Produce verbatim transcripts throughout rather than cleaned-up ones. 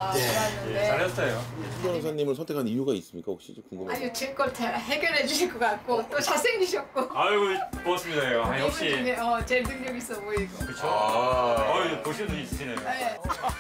네. 예, 잘했어요. 변호사님을 선택한 이유가 있습니까? 혹시 궁금해요. 아니 제 걸 잘 해결해 주실 것 같고 또 잘생기셨고. 아이고 고맙습니다. 아, 역시. 이분 중에 어, 제일 능력 있어 보이고. 그렇죠. 어, 보시는 분 있으시네요. 네.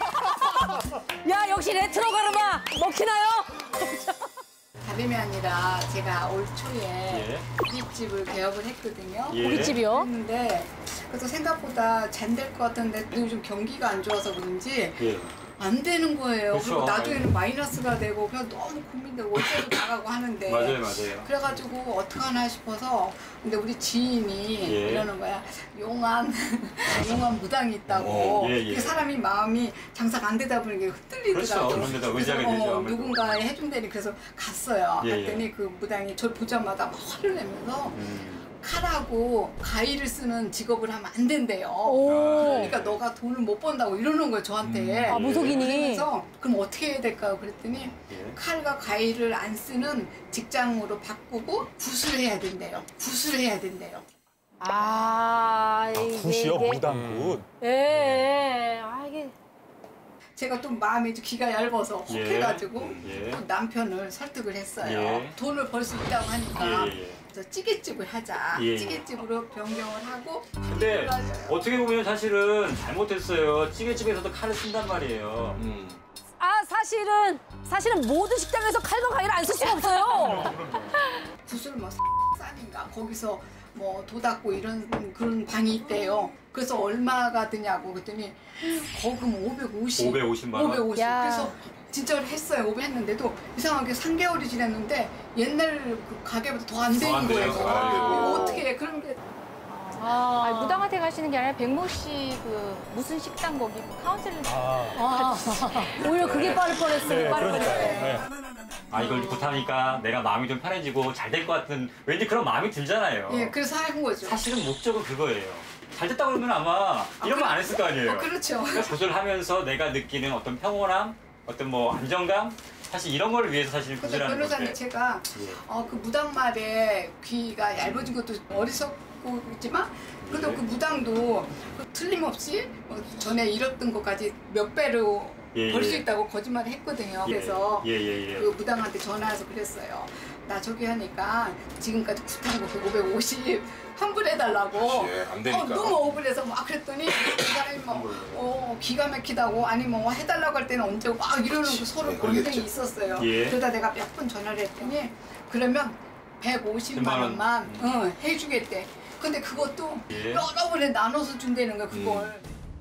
야 역시 레트로 가르마 먹히나요? 다름이 아니라 제가 올 초에 예. 고깃집을 개업을 했거든요. 예. 고깃집이요? 했는데 그래서 생각보다 잘 될 것 같은데 요즘 경기가 안 좋아서 그런지 예. 안 되는 거예요. 그쵸. 그리고 나중에는 마이너스가 되고 그냥 너무 고민되고 월세도 나가고 하는데 맞아요, 맞아요. 그래가지고 어떡하나 싶어서 근데 우리 지인이 예. 이러는 거야. 용한 용한 무당이 있다고. 어, 예, 예. 그 사람이 마음이 장사가 안 되다 보니 흩날리더라고. 그렇죠. 그런 데다 의지하게 되죠, 어, 아무래도. 누군가 해준다니 그래서 갔어요. 예, 갔더니 예. 그 무당이 저를 보자마자 막 화를 내면서 음. 칼하고 가위를 쓰는 직업을 하면 안 된대요. 오. 그러니까 너가 돈을 못 번다고 이러는 거예요, 저한테. 아 무속인이. 그래서 그럼 어떻게 해야 될까 그랬더니 예. 칼과 가위를 안 쓰는 직장으로 바꾸고 굿을 해야 된대요. 굿을 해야 된대요. 아 이게 굿이요? 이게- 무당굿. 예, 예. 아 이게 제가 또 마음이 좀 귀가 얇아서 혹 예. 해가지고 예. 또 남편을 설득을 했어요. 예. 돈을 벌 수 있다고 하니까 예, 예, 예. 그래서 찌개집을 하자. 예. 찌개집으로 변경을 하고 근데 어떻게 보면 사실은 잘못했어요. 찌개집에서도 칼을 쓴단 말이에요. 음. 아 사실은 사실은 모든 식당에서 칼과 가위를 안 쓸 수가 없어요. 굿을 뭐 싸니까 거기서 뭐 도닦고 이런 그런 방이 있대요. 그래서 얼마가 드냐고 그랬더니 거금 오백오십. 오백오십만 원? 오백오십. 야. 그래서 진짜로 했어요. 오백 했는데도 이상하게 삼 개월이 지났는데 옛날 그 가게보다 더 안 더 되는 안 거예요. 돼요. 아, 아이고. 어떻게 해. 그런 게 아, 아니, 무당한테 가시는 게 아니라 백모 씨 그 무슨 식당 거기 카운셀링 아, 오히려 그게 빠를 뻔했어요. 네, 빠를 그러니까요. 뻔했어요. 네. 아, 이걸 굿하니까 내가 마음이 좀 편해지고 잘 될 것 같은 왠지 그런 마음이 들잖아요. 예, 그래서 한 거죠. 사실은 목적은 그거예요. 잘 됐다 그러면 아마 이런 말 안 했을 거 아니에요. 어, 그렇죠. 그러니까 굿을 하면서 내가 느끼는 어떤 평온함, 어떤 뭐 안정감, 사실 이런 걸 위해서 사실 근데 굿을 하는 변호사님 건데. 제가 예. 어, 그 무당말에 귀가 얇아진 것도 어리석고 있지만 그래도 예. 그 무당도 그 틀림없이 어, 전에 잃었던 것까지 몇 배로 예, 벌 수 예. 있다고 거짓말을 했거든요. 예, 그래서 예, 예, 예. 그 무당한테 전화해서 그랬어요. 나 저기 하니까 지금까지 굿한 거 그 오백오십 환불해달라고. 그치, 안 되니까. 어, 너무 억울해서 막 그랬더니 그 사람이 막 어, 기가 막히다고 아니 뭐 해달라고 할 때는 언제 막 이러는 거 그치, 서로 네, 논쟁이 그러겠죠. 있었어요. 예. 그러다 내가 몇 번 전화를 했더니 그러면 백오십만 원만 어, 해주겠대. 근데 그것도 예. 여러 번에 나눠서 준다는 거야 그걸.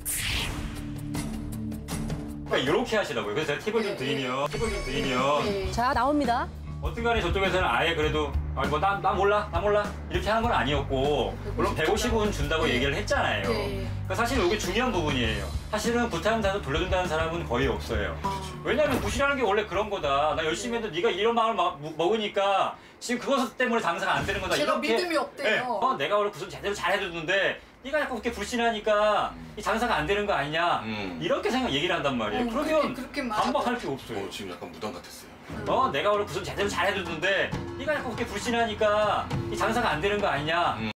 그러니까 이렇게 하시라고요. 그래서 제가 팁을 좀 예, 드리면, 팁을 좀 드리면 네. 자 나옵니다. 어떤 간에 저쪽에서는 아예 그래도 아, 뭐, 나, 나 몰라, 나 몰라 이렇게 하는 건 아니었고 물론 백오십은 준다고 네. 얘기를 했잖아요. 네. 그러니까 사실 이게 중요한 부분이에요. 사실은 굿하는 사람 돌려준다는 사람은 거의 없어요. 왜냐하면 굿이라는 게 원래 그런 거다. 나 열심히 했는데 네가 이런 마음을 마- 무- 먹으니까 지금 그것 때문에 장사가 안 되는 거다. 제가 이렇게, 믿음이 없대요. 네. 어, 내가 원래 굿을 제대로 잘 해줬는데 네가 자꾸 그렇게 불신하니까 이 장사가 안 되는 거 아니냐. 음. 이렇게 생각 얘기를 한단 말이에요. 어, 그러면 그렇게- 그렇게 말하고. 반박할 게 없어요. 어, 지금 약간 무당 같았어요. 어, 내가 원래 굿을 제대로 잘 해줬는데 네가 자꾸 그렇게 불신하니까 이 장사가 안 되는 거 아니냐.